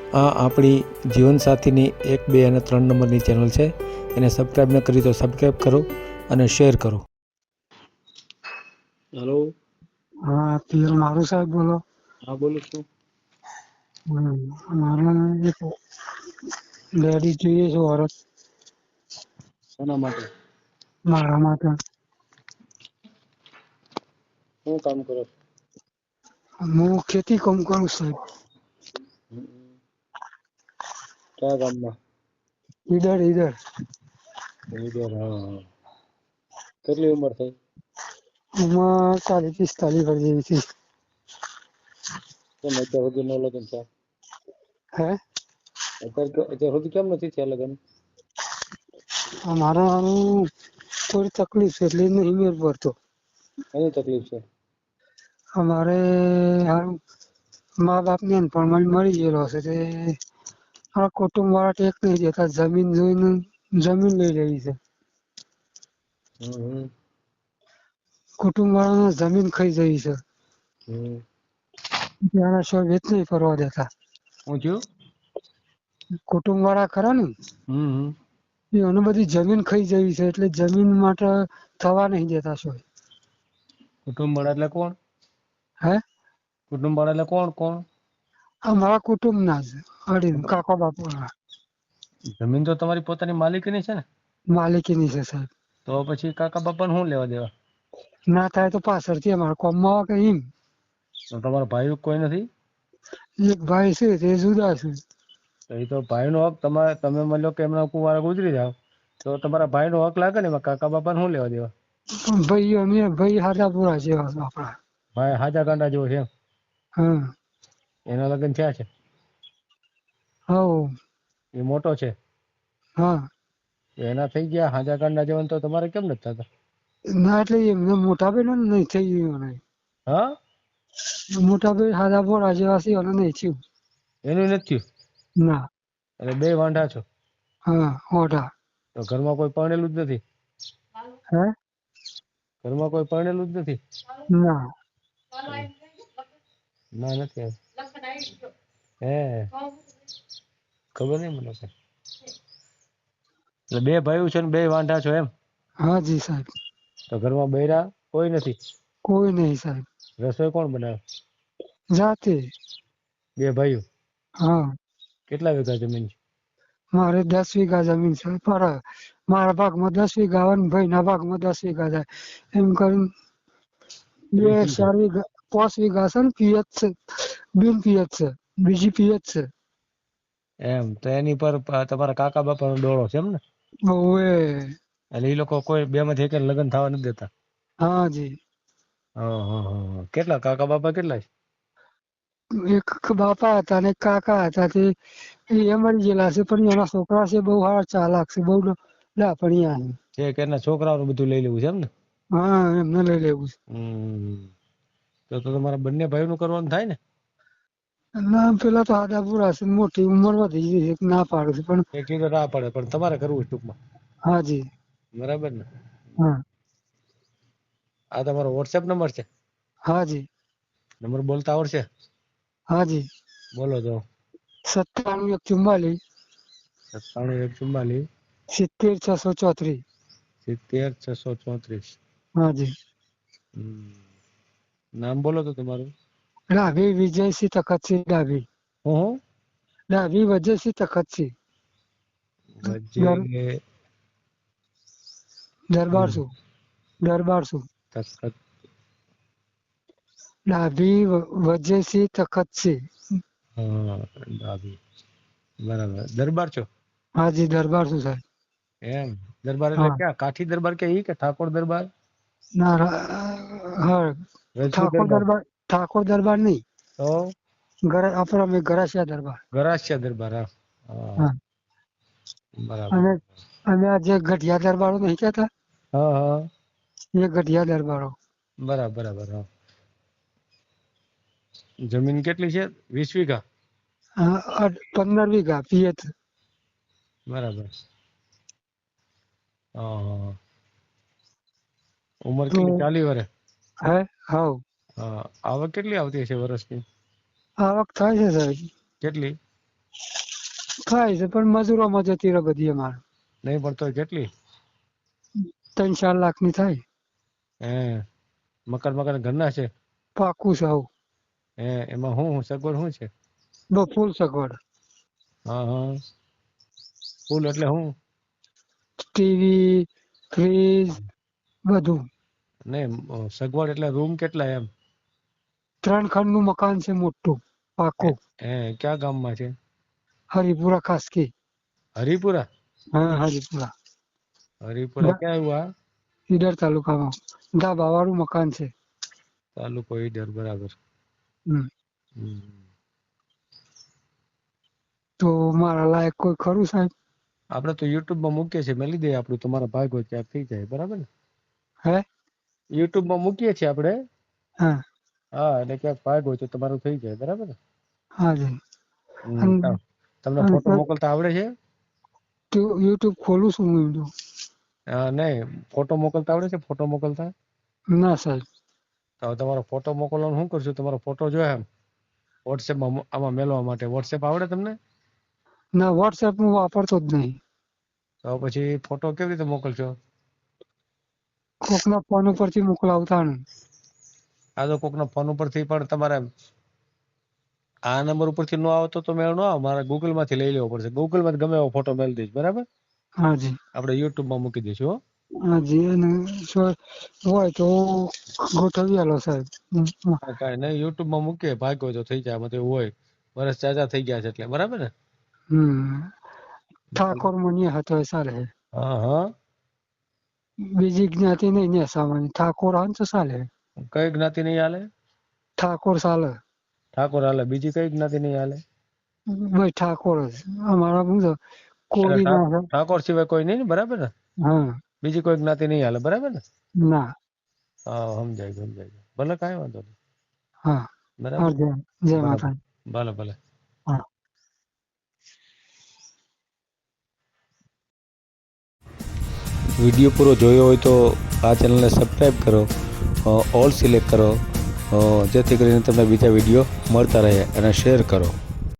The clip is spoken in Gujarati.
આ આપણી જીવનસાથીની 1, 2 અને 3 નંબરની ચેનલ છે. એને સબસ્ક્રાઈબ ન કરી તો સબસ્ક્રાઈબ કરો અને શેર કરો. હેલો. હા, પિયર મારું સાહેબ બોલો. હા, બોલું છું. મારે એક લેડીઝ જોઈએ છે ઓરત શેના માટે? મારા માટે. શું કામ કરો? હું ખેતી કામ કરું સાહેબ. કયા ગામમાં? ઈધર. ઈડર, હા. કેટલી ઉંમર થઈ? એમાં 40-45 વર્ષ જેવી છે. કેમ અત્યાર સુધી ન લગ્ન થયા? હે? અત્યાર સુધી કેમ નથી થયા લગ્ન? મારા થોડી તકલીફ છે એટલે નહીં મેળ પડતો. એની તકલીફ છે? અમારે મા બાપ ને પણ મળી ગયેલો છે તે આ કુટુંબ વાળા ટેક નહીં દેતા, જમીન જોઈને જમીન લઈ લેવી છે. કુટુંબ વાળાને જમીન ખાઈ જઈ છે. ત્યાંના શો વેચ નહીં કરવા દેતા. શું થયું? કુટુંબ વાળા ખરા ને એનું બધી જમીન ખાઈ જવી છે એટલે જમીન માટે થવા નહીં દેતા શું. કુટુંબ વાળા એટલે કોણ? હે? કુટુંબ વાળા એટલે કોણ? અમારા કુટુંબ ના છે, કાકા બાપુ ના. જમીન તો તમારી પોતાની માલિકીની છે ને? માલિકીની છે સાહેબ. તો પછી કાકા બાપાને શું લેવા દેવા? ના થાય તો પાછળથી અમારે કોમમાં આવે કે એમ. તો તમારા ભાઈ કોઈ નથી? એક ભાઈ છે તે જુદા છે. એ તો ભાઈનો હક તમે માની લો કે એમના કુંવારા ગુજરી જાવ તો તમારા ભાઈનો હક લાગે ને, કાકા બાપાને શું લેવા દેવા? પણ ભાઈ હાજા પૂરા છે આપણા. ભાઈ હાજા ગાંડા જેવો છે એમ? હા. એના લગ્ન થયા છે? હા. એ મોટો છે? હા. એના થઈ ગયા હાજા ગાંડા જેવા, તો તમારે કેમ નથી થતા? ના એટલે એમને મોટા ભાઈ ને નહીં થઈ ગયું. હા? મોટા ભાઈ હાજા પૂરા જેવા છે અને નહીં થયું. એનું નથી થયું? ના. એટલે બે વાંઢા છો? હા, ઓઢા. તો ઘરમાં કોઈ પરણેલું જ નથી? હે? ઘરમાં કોઈ પરણેલું જ નથી? ના. ના, નથી. હે? ખબર નહીં મને. એટલે બે ભાઈઓ છે ને બે વાંઢા છો એમ? હા જી સાહેબ. તો ઘરમાં બૈરા કોઈ નથી? કોઈ નહીં સાહેબ. રસોઈ કોણ બનાવે? જાતે. બે ભાઈઓ? હા. કેટલા વીઘા જમીન છે? મારે 10 વીઘા જમીન છે. પર મારા ભાગમાં 10 વીઘા આવે ને ભાઈના ભાગમાં 10 વીઘા જાય. એમ કરીને 2-4 વીઘા 5 વીઘા છે ને પિયત છે. બિન પિયત છે. બીજી પિયત છે. એમ તો એની પર તમારા કાકા બાપાનો ડોળો છે એમ ને? ઓવે. એટલે એ લોકો કોઈ બે માંથી એક લગ્ન થવા નથી દેતા? હા જી. કેટલા કાકા બાપા કેટલા છે? એક બાપા હતા ને કાકા હતા તે એ મરી ગયેલા છે, પણ એના છોકરા છે બહુ સારા ચાલાક છે, બહુ લાપણિયા છે. છે કે એના છોકરાઓનું બધું લઈ લેવું છે એમ ને? હા, એમને લઈ લેવું છે. તો તમારા બંને ભાઈઓનું કરવાનું થાય ને? ના, પેલા તો આદા પૂરા છે, મોટી ઉંમર વધી ગઈ છે, ના પાડે છે પણ એક તો ના પડે પણ તમારે કરવું છે ટૂંકમાં? હા જી. બરાબર ને? હા. આ તમારો વોટ્સએપ નંબર છે? હા જી. નંબર બોલતા આવડશે? હા જી. બોલો તો. 97 144 97 144 70 634. 70 634. હા જી. નામ બોલો તો તમારું? ડાભી વિજયસિંહ તખતસિંહ ડાભી. હું? ડાભી વિજયસિંહ તખતસિંહ. વજય દરબારસુ. તખત. ડાભી વિજયસિંહ તખતસિંહ. હા, ડાભી. બરાબર. દરબાર છો? હા જી, દરબારસુ સાહેબ. એમ દરબાર એટલે હા. ક્યાં કાઠી દરબાર કે ઈ કે ઠાકોર દરબાર? ના, હા, રજપૂત દરબાર ઠાકોર દરબાર નહીં. તો આપણા ગરાસિયા દરબાર. ગરાસિયા દરબાર. હા. બરાબર. અને આ જે ગઢિયા દરબારો નહીં કહેતા? હા. એ ગઢિયા દરબારો. બરાબર. જમીન કેટલી છે? 20 વીઘા? 15 વીઘા પિયત. બરાબર. ઉંમર તો કેટલી? 40 વર્ષ? હે? હાવ. આવક કેટલી આવતી હશે વર્ષની? આવક થાય છે સાહેબ. કેટલી? થાય છે પણ મજૂરોમાં જતી રહે બધી અમારે. નહીં પણ તોય કેટલી? 3-4 લાખની થાય. હે મકાન ઘરના છે? પાકું છે આવું. હે એમાં શું સગવડ શું છે? ફૂલ સગવડ. હા હા, ફૂલ એટલે શું? ટીવી, ફ્રીજ બધું. નહીં સગવડ એટલે રૂમ કેટલા એમ? 3 ખંડનું મકાન છે મોટું પાકું. હે ક્યાં ગામમાં છે? હરિપુરા ખાસકી. હરિપુરા? હા હરિપુરા. હરિપુરા ક્યાં આવ્યું? ઈડર તાલુકામાં ધાબા વાળું મકાન છે. તાલુકો ઈડર, બરાબર. હમ. હમ. તો મારા લાયક કોઈ ખરું સાહેબ? આપણે તો YouTube માં મૂકીએ છીએ, મેલી દઈએ આપણું, તમારા ભાગ હોય ત્યાં થઈ જાય, બરાબર ને? હે YouTube માં મૂકીએ છીએ આપણે. હા હા, એટલે ક્યાંક ભાગ હોય તો તમારું થઈ જાય, બરાબર ને? હા જી. તમને ફોટો મોકલતા આવડે છે? તો YouTube ખોલું છું હું. નહીં, ફોટો મોકલતા આવડે છે? ફોટો મોકલતા? ના સાહેબ. તો તમારો ફોટો મોકલવાનું શું કરશું? તમારો ફોટો જોયા એમ વોટ્સએપમાં આમાં મેળવવા માટે વોટ્સએપ આવડે તમને? ના, WhatsApp હું વાપરતો જ નહીં. તો પછી ફોટો કેવી રીતે મોકલશો? કોકના ફોન ઉપરથી મોકલાવતા ને. આ તો કોકના ફોન ઉપરથી પણ તમારે આ નંબર ઉપરથી નો આવતો તો મેળ ન આવે, મારે ગૂગલ માંથી લઈ લેવો પડશે. ગૂગલ માંથી ગમે એવો ફોટો મેળ દઈશ, બરાબર? હા જી. આપણે YouTube માં મૂકી દઈશું. હા જી. અને હોય તો ગોઠવી આલો સાહેબ. કાંઈ નહીં, YouTube માં મૂકીએ, ભાગ હોય તો થઈ જાય. આમાં તો એવું હોય વર્ષ ચાચા થઈ ગયા છે એટલે, બરાબર ને? ઠાકોર મુનિયા હતો એ ચાલે. હા હા. બીજી જ્ઞાતિ નહીં ને સામાન્ય ઠાકોર આવે તો ચાલે. કઈ જ્ઞાતિ નહીં હાલે? ઠાકોર ચાલે. ઠાકોર હાલે. બીજી કઈ જ્ઞાતિ નહીં હાલે? ભાઈ ઠાકોર જ અમારા શું છે કોળી ના. ઠાકોર સિવાય કોઈ નહીં ને, બરાબર ને? હા. બીજી કોઈ જ્ઞાતિ નહીં હાલે, બરાબર ને? ના. હા, સમજાય. ભલે, કાંઈ વાંધો નહીં. હા બરાબર. જય માતા. ભલે. હા. વિડીયો પૂરો જોયો હોય તો આ ચેનલને સબસ્ક્રાઈબ કરો, ઓલ સિલેક્ટ કરો, જેથી કરીને તમને બીજા વિડીયો મળતા રહે, અને શેર કરો.